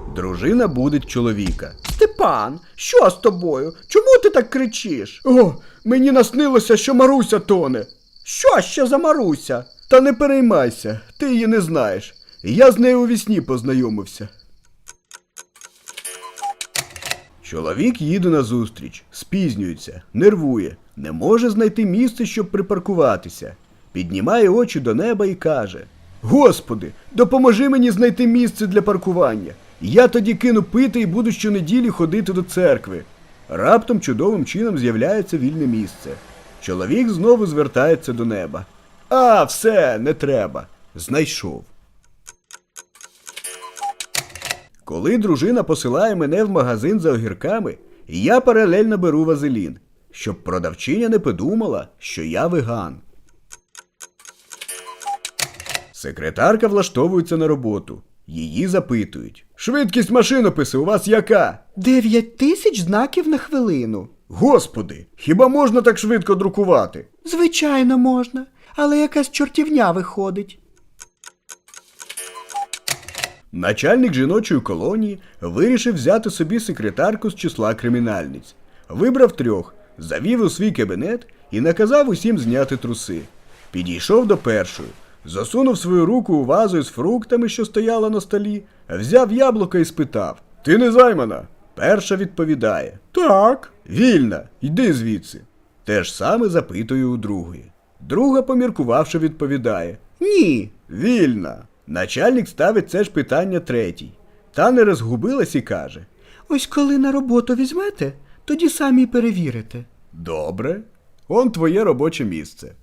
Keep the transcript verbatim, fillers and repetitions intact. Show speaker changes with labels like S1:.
S1: Дружина будить чоловіка.
S2: Степан, що з тобою? Чому ти так кричиш?
S1: О, мені наснилося, що Маруся тоне.
S2: Що ще за Маруся?
S1: Та не переймайся, ти її не знаєш. Я з нею у вісні познайомився. Чоловік їде на зустріч, спізнюється, нервує, не може знайти місце, щоб припаркуватися. Піднімає очі до неба і каже: «Господи, допоможи мені знайти місце для паркування. Я тоді кину пити і буду щонеділі ходити до церкви». Раптом чудовим чином з'являється вільне місце. Чоловік знову звертається до неба. «А, все, не треба. Знайшов». Коли дружина посилає мене в магазин за огірками, я паралельно беру вазелін, щоб продавчиня не подумала, що я веган. Секретарка влаштовується на роботу. Її запитують: «Швидкість машинопису у вас яка?»
S2: Дев'ять тисяч знаків на хвилину.
S1: «Господи, хіба можна так швидко друкувати?»
S2: Звичайно, можна, але якась чортівня виходить.
S1: Начальник жіночої колонії вирішив взяти собі секретарку з числа кримінальниць. Вибрав трьох, завів у свій кабінет і наказав усім зняти труси. Підійшов до першої, засунув свою руку у вазу із фруктами, що стояла на столі, взяв яблуко і спитав: «Ти не займана?» Перша відповідає: «Так». «Вільна, йди звідси». Те ж саме запитує у другої. Друга, поміркувавши, відповідає:
S2: Ні.
S1: «Вільна». Начальник ставить це ж питання третій. Та не розгубилась і каже:
S2: Ось коли на роботу візьмете, тоді самі й перевірите.
S1: «Добре, он твоє робоче місце».